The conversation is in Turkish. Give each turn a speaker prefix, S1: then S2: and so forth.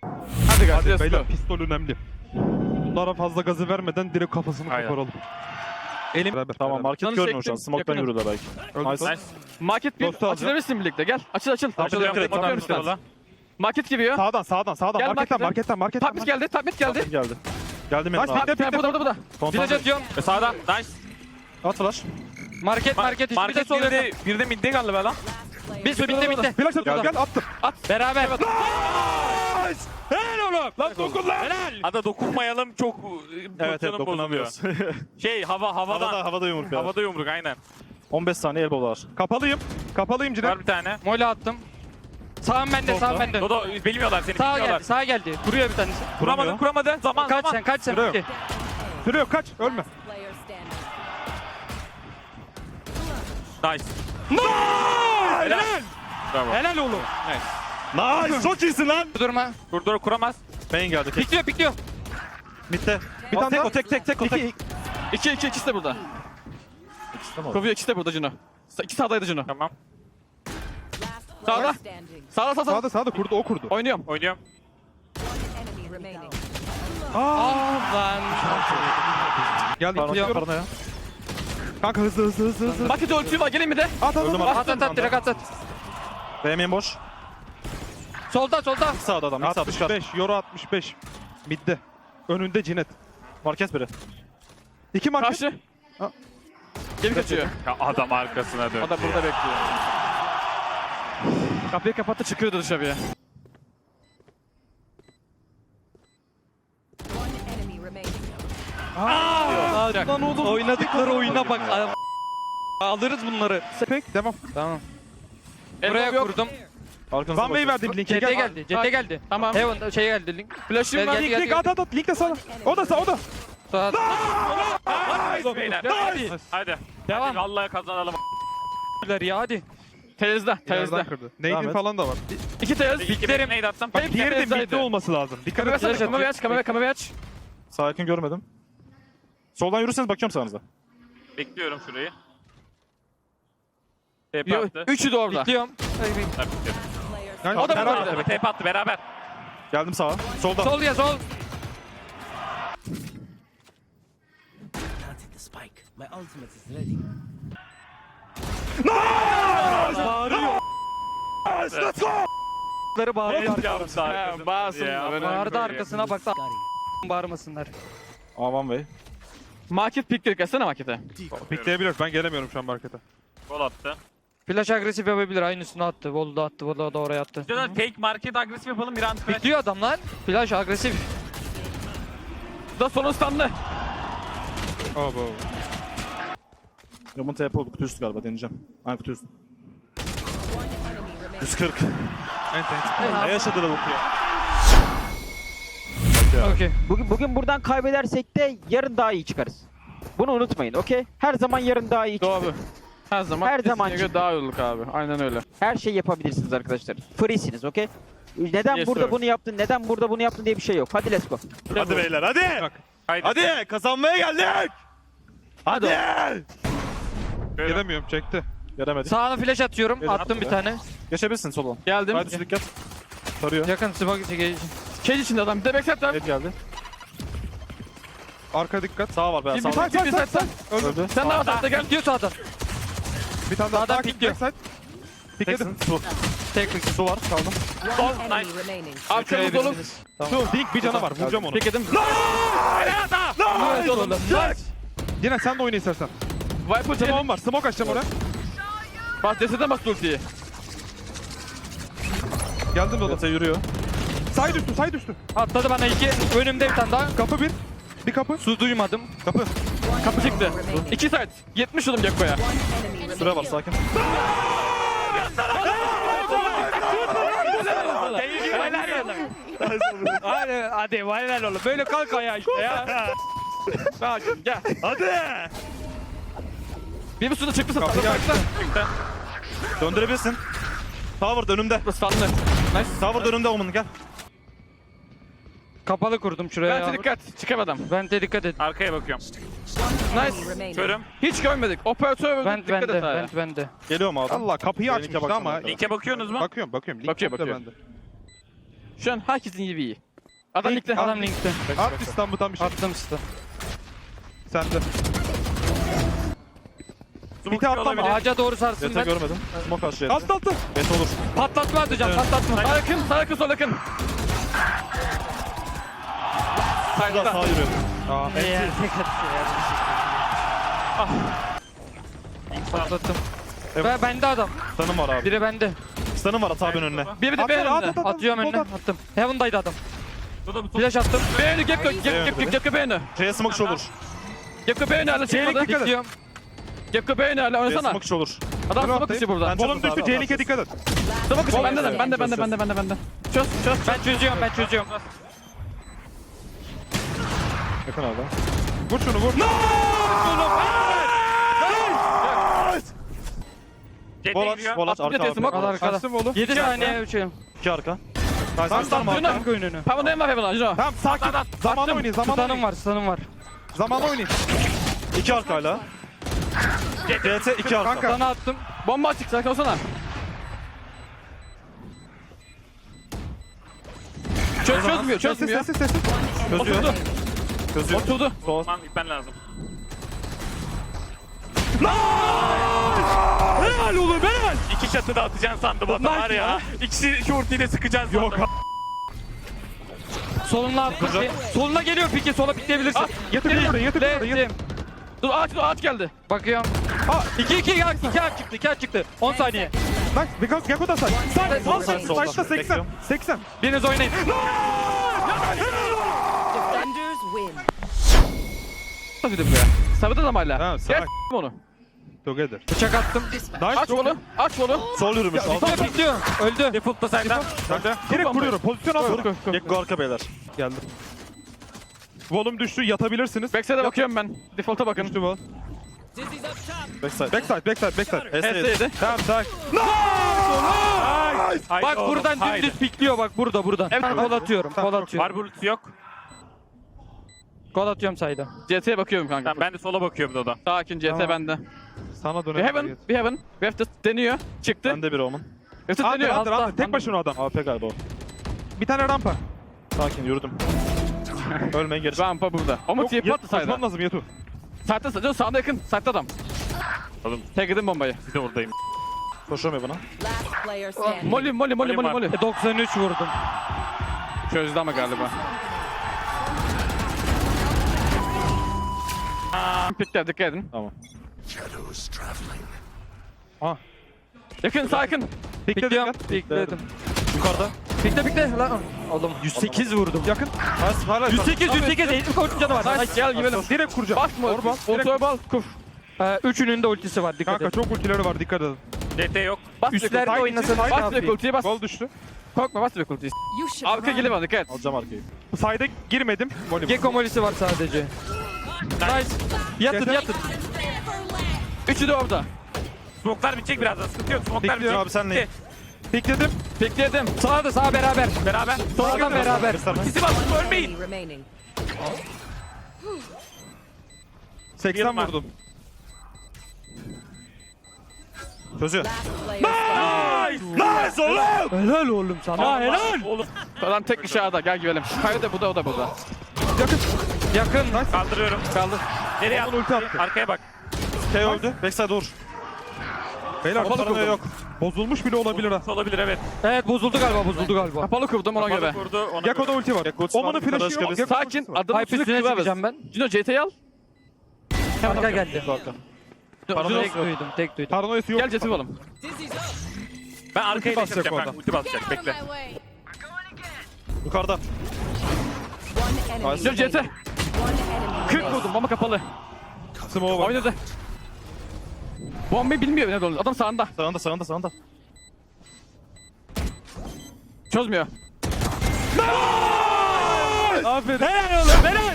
S1: Hadi guys,
S2: Hadi
S1: let's
S2: beyler,
S1: go.
S2: pistol önemli. Bunlara fazla gazı vermeden direkt kafasını
S1: Aynen.
S2: koparalım.
S1: Elim.
S2: Beraber,
S3: Tamam
S2: beraber.
S3: market
S1: Canı
S3: görmüyor şu an.
S1: çektim,
S3: Smoke'tan
S1: yakınım.
S3: yürüdüler belki.
S2: Öldü.
S3: Nice.
S1: Nice. Market bir
S2: Dostu alacağım.
S1: açılabilirsin birlikte. Gel. Açıl.
S3: Açılıyorum, direkt
S1: Atıyorum
S3: atıyorum
S1: stans. Market giriyor.
S2: Sağdan,
S1: Gel
S2: marketten,
S1: markete.
S2: marketten.
S1: Top mid geldi. Top mid geldi.
S3: Geldi. Geldim
S2: Nice,
S3: yanına.
S2: pikle,
S1: Bu da.
S3: Kontrol
S4: Flash atıyorum.
S5: Sağda. Nice.
S3: At flash.
S4: Market hiçbir de
S5: Market
S4: sol yakın.
S5: bir de midde galiba lan.
S4: Bir bitti.
S2: Flash atıyorum, gel attım.
S4: Beraber.
S5: Helal oğlum. Lan dokun lan. Helal. Hadi dokunmayalım çok
S3: Evet
S5: pozisyonum
S3: dokunamıyoruz.
S5: Şey havadan.
S3: Havada yumruk ya.
S5: Havada yumruk aynen.
S3: 15 saniye elbow var.
S2: Kapalıyım Cine.
S5: Var bir tane.
S4: Mola attım. Sağım bende.
S5: Dodo bilmiyorlar seni. bilmiyorlar.
S4: Sağa geldi. Kuruyor bir tanesi.
S5: Kuramadı. Zaman.
S4: Kaç sen.
S2: Sürüyor.
S4: Okey.
S2: Sürüyor, kaç, ölme.
S6: Player standing.
S5: Nice. Helal. Bravo.
S4: Helal oğlum.
S3: Nice. Çok iyisin lan.
S4: Durma.
S5: Dur kuramaz.
S3: Main geldi. Tek.
S4: Pikliyor.
S3: Mid'de.
S2: Bir tane
S3: tek
S2: daha.
S3: o tek.
S1: İkisi de burada. Kovuyor, ikisi de burada Cino. İki sağdaydı Cino.
S5: Tamam.
S6: Last
S1: Sağda.
S6: player standing.
S1: Sağda.
S2: Sağda kurdu, o kurdu.
S1: Oynuyorum.
S5: Oynuyorum.
S6: Enemy remaining.
S4: Lan.
S2: Geldi,
S3: Paranoya
S2: gidiyorum.
S3: paranoya.
S2: Kanka hızlı.
S1: Market ultisi var, gelin mi de?
S2: At.
S3: Öldüm abi.
S4: At direkt at.
S3: B main boş.
S4: Solda.
S3: Mid sağda adam. Mid sağda çıkar.
S2: 65, Euro 65. Midde. Önünde Cinet.
S3: Market biri.
S2: 2 market.
S1: Karşı.
S2: Ha.
S1: Geri kaçıyor.
S5: Ya adam arkasına dön.
S1: O da burada bekliyor. Kapıyı kapattı, çıkıyordu dışarıya.
S6: One enemy remaining.
S4: Lan oğlum. Oynadıkları oyuna bak. Alırız bunları.
S2: Pek, devam.
S4: Tamam.
S1: Elbow
S4: Buraya
S1: yok.
S4: kurdum.
S3: Arkanıza
S2: Van Bey
S3: bakın.
S2: verdim linki.
S4: CT
S2: gel.
S4: geldi. CT geldi.
S1: Tamam.
S4: Heaven geldi link.
S1: Flash'ım
S4: Gel,
S1: var.
S4: gel.
S2: Link, at. Link de sana. O da.
S4: Sağ.
S5: Beyler. Hadi.
S4: Devam.
S5: Vallahi kazanalım.
S4: Ya hadi.
S1: Teyzde.
S2: Yerden kırdı. Nade'in
S3: et.
S2: falan da var.
S1: İki teyz.
S5: İki neydi attım?
S2: Bak diğeri de
S1: Teyzeydi.
S2: midde olması lazım. Dikkat
S1: Kamerayı
S2: et.
S1: aç, kamerayı aç.
S3: Sağ yakın görmedim. Soldan yürürseniz bakıyorum sağınıza.
S5: Bekliyorum şurayı. TP
S1: Yo,
S5: attı.
S1: üçü de orada.
S4: Bekliyorum.
S5: Tabii ki.
S6: Player
S2: Yani
S1: O da
S2: beraber-
S1: burada.
S5: TP attı beraber.
S3: Geldim sağa. Solda.
S4: Sol ya sol.
S7: Planted the spike. My ultimate is ready.
S4: Ları bağırıyor.
S1: Bağırsın.
S4: Bağırdı arkasına bak. Bağırmasınlar.
S3: Aman Bey.
S1: Market pick direkt etsene markete.
S2: Pikleyebilir. Ben gelemiyorum şu an markete.
S5: Gol attı.
S4: Flash agresif yapabilir. Aynısını attı. Volda da attı. Volda da oraya attı.
S5: Diyorlar fake market agresif yapalım bir an.
S4: Bekliyor adam lan. Flash agresif.
S1: Da sonun standı.
S2: Oh,
S3: Yaman TP oldu. Kutu üstü galiba deneyeceğim. Aynı kutu üstü.
S6: one enemy remaining.
S3: 140.
S2: Ent.
S3: Ne yaşadı lavuk ya?
S4: Okey.
S8: Bugün buradan kaybedersek de yarın daha iyi çıkarız. Bunu unutmayın, okey? Her zaman yarın daha iyi çıkarız.
S1: Doğru. Her zaman.
S8: Her zaman
S1: kesinlikle daha iyi olduk abi. Aynen öyle.
S8: Her şeyi yapabilirsiniz arkadaşlar. Free'siniz, okey? Neden
S1: Yes,
S8: burada
S1: sir.
S8: bunu yaptın, neden burada bunu yaptın diye bir şey yok. Hadi let's go.
S3: Hadi beyler hadi.
S5: Haydi.
S3: Hadi kazanmaya geldik. Hadi.
S2: Gelemiyorum, çekti.
S3: Gelemedi.
S4: Sağına flash atıyorum.
S3: Gel,
S4: Attım
S3: at
S4: bir
S3: be.
S4: tane.
S3: Geçebilirsin sola.
S1: Geldim.
S3: Hadi üstü dikkat. Tarıyor.
S4: Yakın smoke çekeceğim.
S1: Cage içinde adam. Bir de backside var.
S3: Evet geldi.
S2: Arka dikkat.
S3: Sağ var be.
S1: Bir
S3: Sağ
S1: side,
S3: var.
S1: bir side, sen.
S3: Öldü.
S1: Sen de var, gel.
S4: Bekliyor sağdan.
S2: Bir tane daha.
S4: Sağdan
S2: Takip,
S4: pikliyor.
S2: backside. Pikledim.
S3: Teksin. Su.
S4: Tek tek.
S3: Su var. Kaldım.
S6: One enemy remaining.
S1: Arkamız dolu.
S2: Şu Dink bir canavar. Vuracağım onu.
S1: Pikledim. Evet oğlum.
S2: Cine sen de oyna istersen.
S1: Viper canım.
S2: Smoke'um var. Smoke açacağım oraya.
S1: Bak deseden bastı ultiyi.
S2: Geldim Dodo.
S3: Yata yürüyor.
S2: Side üstü.
S4: Atladı bana iki. Önümde bir tane daha.
S2: Kapı bir. Bir kapı.
S4: Su duymadım.
S2: Kapı.
S1: Kapı çıktı. İki side. 70 oğlum Gekko'ya.
S6: One enemy remaining.
S3: Süre var sakin.
S4: Hadi helal oğlum. Böyle kalk ayağa işte ya.
S1: Sakin gel.
S3: Hadi.
S1: Bir suda çıktı
S2: Kapı geldi.
S3: Döndürebilirsin. Tower önümde.
S1: Standı. Nice.
S3: Tower önümde Omen gel.
S4: Kapalı kurdum şuraya.
S1: Bence dikkat. Çıkamadım.
S4: Vente dikkat et.
S5: Arkaya bakıyorum.
S1: Nice.
S6: Remaining.
S5: Körüm.
S1: Hiç görmedik. Operatör öldü.
S4: Vent
S1: Dikkat et
S4: bende.
S1: ha.
S4: Vent bende.
S3: Geliyor mu adam?
S2: Allah kapıyı
S3: Linke
S2: açmıştı
S3: bakacağım
S2: ama.
S3: arkadaşlar.
S5: Linke bakıyorsunuz mu?
S2: Bakıyorum. Link
S1: Bakıyor,
S2: de
S1: bakıyor.
S2: bende.
S1: Şu an herkesin gibi iyi. Adam
S2: Link,
S1: linkte.
S4: Adam linkte.
S2: At İstanbul'dan bir şey.
S4: Attım size.
S2: Sende.
S5: Smoke
S2: atlam
S5: olabilir.
S4: Ağaca doğru sarsın
S3: Yata
S4: ben.
S3: görmedim. Smoke aşağı.
S2: Alt altı.
S3: Bet olur.
S4: Patlatma atacağım patlatma.
S1: Sağ yakın, sağ yakın, sol yakın.
S3: Burada sağa yürüyor.
S4: Eğer tek atıyor ya. Patlattım. Ve bende adam.
S3: Stun'ım var abi.
S4: Biri bende.
S3: Stun'ım var at abi önüne.
S1: Bir de B önünde.
S4: Atıyorum önüne. Attım. Heaven'daydı adam.
S5: Bu da bu
S4: Flash attım.
S1: B önü, Gekko B önü.
S3: C'ye smoke olur.
S1: Gekko B önü hala çıkmadı.
S2: Dikkat et.
S4: Bekliyorum.
S1: Gekko B önü hala
S3: C'ye
S1: oynasana.
S3: smoke olur.
S1: Adam
S2: Dur,
S1: smoke dışı burada.
S3: Ben
S2: Volum düştü.
S3: Abi,
S2: C2'ye dikkat et.
S1: Smoke dışı bende de,
S6: Çöz,
S1: bende. Çöz.
S4: Ben çözüyorum.
S3: Yakın abi.
S2: Vur şunu vur.
S5: CT
S3: Volaç,
S5: gidiyor.
S3: volaç
S1: Attım
S3: arka
S1: CT smoke.
S3: abi.
S4: Al arkada.
S2: Açtım oğlum.
S4: 7 saniye uçuyorum.
S3: 2 arka.
S2: Tamam
S1: Tamam,
S2: tamam.
S1: Juno.
S4: önünü.
S1: Pavon en var Heaven'a, Juno.
S2: Tamam sakin. Zaman oynayın. Zaman
S4: Stun'ım
S2: oynayın.
S4: var, stun'ım var.
S2: Zaman oynayın.
S3: 2 arka hala. CT 2 arka.
S2: Kanka.
S4: Sana attım.
S1: Bomba açık, sakin olsana. Çözmüyor.
S2: Sessiz.
S3: Çözüyor.
S1: Oturdu.
S3: Çözüyor.
S1: Oturdu.
S3: Sol.
S5: Tamam gitmen lazım.
S2: Helal oğlum helal.
S5: İki çatı da atacaksın sandım adam var ya. İkisi şu ultiyle sıkacaksın sandım.
S2: Yok.
S4: Soluna at piki. Soluna geliyor piki. Sola pikleyebilirsin.
S2: Yatır buraya yatır buraya.
S4: Ledim.
S1: Dur ağaç geldi.
S4: Bakıyorum.
S2: Ha.
S4: 2 aç çıktı. 10 saniye.
S2: Bak Gekko da say. Say.
S3: Sol, sol, solda.
S2: Sayda 80.
S3: Bekliyorum.
S2: 80.
S4: Biriniz oynayın.
S6: Defenders win.
S1: Nasıl buraya? Sabit adam hala.
S2: Tamam,
S1: Gel
S2: salak.
S1: onu.
S2: Together.
S4: Bıçak attım.
S1: Aç kolu. Aç kolu.
S3: Sol yürümüş.
S4: Sola pikliyor. Öldü.
S5: Default da senden.
S2: Direkt vuruyorum. Pozisyon alıyorum.
S3: Gekko arka beyler.
S2: Geldim. Volum düştü. Yatabilirsiniz.
S1: Backside'e bakıyorum ben. Default'a bakın.
S2: Düştü vol.
S3: Backside.
S2: Backside.
S1: HS'ydi.
S2: Tamam sakin.
S5: Haydi
S4: Bak
S5: oğlum,
S4: buradan
S5: haydi.
S4: dümdüz pikliyor bak burada.
S1: Evet.
S4: Kol atıyorum.
S2: Tamam,
S4: Kol
S2: çok
S4: atıyorum.
S5: Var bu ultisi yok.
S4: Kol atıyorum sayda.
S1: CT'ye bakıyorum kanka.
S5: Tamam ben de sola bakıyorum Dodo.
S1: Sakin CT
S2: Tamam.
S1: bende.
S2: Sana
S1: Bir
S2: dönelim.
S1: heaven. Bir heaven. Left deniyor. Çıktı.
S3: Bende bir Omen.
S1: Left
S2: Under
S1: deniyor.
S2: under. Tek başına adam.
S3: AP galiba o.
S2: Bir tane rampa.
S3: Sakin yürüdüm. Ölmeyin geri.
S1: Rampa burada. Ama
S2: Yok,
S1: TP attı
S2: koşman
S1: sayda.
S2: lazım Yatu.
S1: Saatte sadece sağda yakın. Saatte adam.
S5: Oğlum
S1: Tek edin bombayı.
S5: bir de oradayım.
S3: Koşamıyor bana.
S6: Last player standing.
S1: Molly.
S4: 93 vurdum.
S1: Çözdü ama galiba. Pikler dikkat edin.
S3: Tamam.
S1: Yakın sağ yakın.
S4: Pikliyorum. Pikledim.
S3: Yukarıda.
S4: Pikle lan. Oğlum 108 vurdum.
S2: Yakın.
S3: Hala
S4: 108 eğitim koçun canı var.
S1: Nice gel gidelim.
S2: Direkt kuracağım.
S1: Basma.
S2: Orban.
S1: Ortaya bal. Kuf.
S4: Üçünün de ultisi var dikkat
S2: Kanka
S4: et.
S2: çok ultileri var dikkat edin.
S5: CT yok.
S1: Bas
S4: Üstlerde
S1: direkt ultiyi.
S4: oynasın.
S1: Bas direkt ultiyi bas.
S2: Gol düştü.
S1: Korkma bas direkt ultiyi.
S6: You should
S1: Arka
S6: run.
S1: geliyor bana dikkat et.
S3: alacağım arkayı.
S2: Sayda girmedim. Volüm.
S4: Gekko molisi var sadece. Nice. Yatın.
S1: Üçü de orada.
S5: Smoke'lar bitecek birazdan. Sıkıntı yok. Smoke'lar
S3: Bekliyor
S5: bitecek.
S3: abi senle.
S2: Pikledim.
S1: Pikledim.
S4: Sağ beraber.
S5: Beraber.
S4: Sağdan beraber.
S5: İkisi bas. Ölmeyin.
S6: Enemy remaining.
S2: 80
S5: var.
S2: vurdum.
S3: Çözüyor.
S6: Last player standing.
S3: Nice oğlum.
S4: Helal oğlum sana helal.
S5: Oğlum
S1: Adam tek dışarıda. Gel gidelim. Kayı da burada o da burada.
S4: Yakın.
S5: kaldırıyorum.
S1: Kaldı.
S5: Nereye
S2: Onun ulti
S5: attın?
S2: attı.
S5: Arkaya bak.
S3: K öldü. Backside vur.
S2: Beyler
S1: Kapalı
S2: paranoya
S1: kurdum.
S2: yok. Bozulmuş bile olabilir ha.
S5: Olabilir evet.
S4: Evet bozuldu galiba.
S1: Kapalı kurdum ona göre.
S5: Kapalı kurdu. Ona
S2: Gekko'da ulti var.
S3: Gekko ultisi var,
S2: Oman'ın
S3: yukarıda
S2: flash'ı yok.
S3: çıkabilirsin.
S2: Gekko'nun
S1: Sakin.
S2: ultisi var.
S1: Adamın
S4: Hype üstüne çıkacağım ben.
S1: Cino CT'yi al.
S4: Arka geldi.
S3: Arka.
S1: Cino
S4: Tek duydum.
S2: Paranoyası yok.
S1: gel CT'yi alalım.
S5: Ben arkaya
S2: basacak
S5: geçeceğim.
S2: orada.
S5: Ulti basacak. Bekle.
S3: Yukarıda.
S6: One enemy
S1: Cino CT.
S6: remaining. One enemy
S1: 40
S6: remaining.
S1: vurdum bomba kapalı.
S2: Smoke var.
S1: Oynadı. Bombayı bilmiyor ne olduğunu. Adam sağında.
S3: Sağında.
S1: Çözmüyor.
S2: Aferin.
S4: Helal oğlum helal.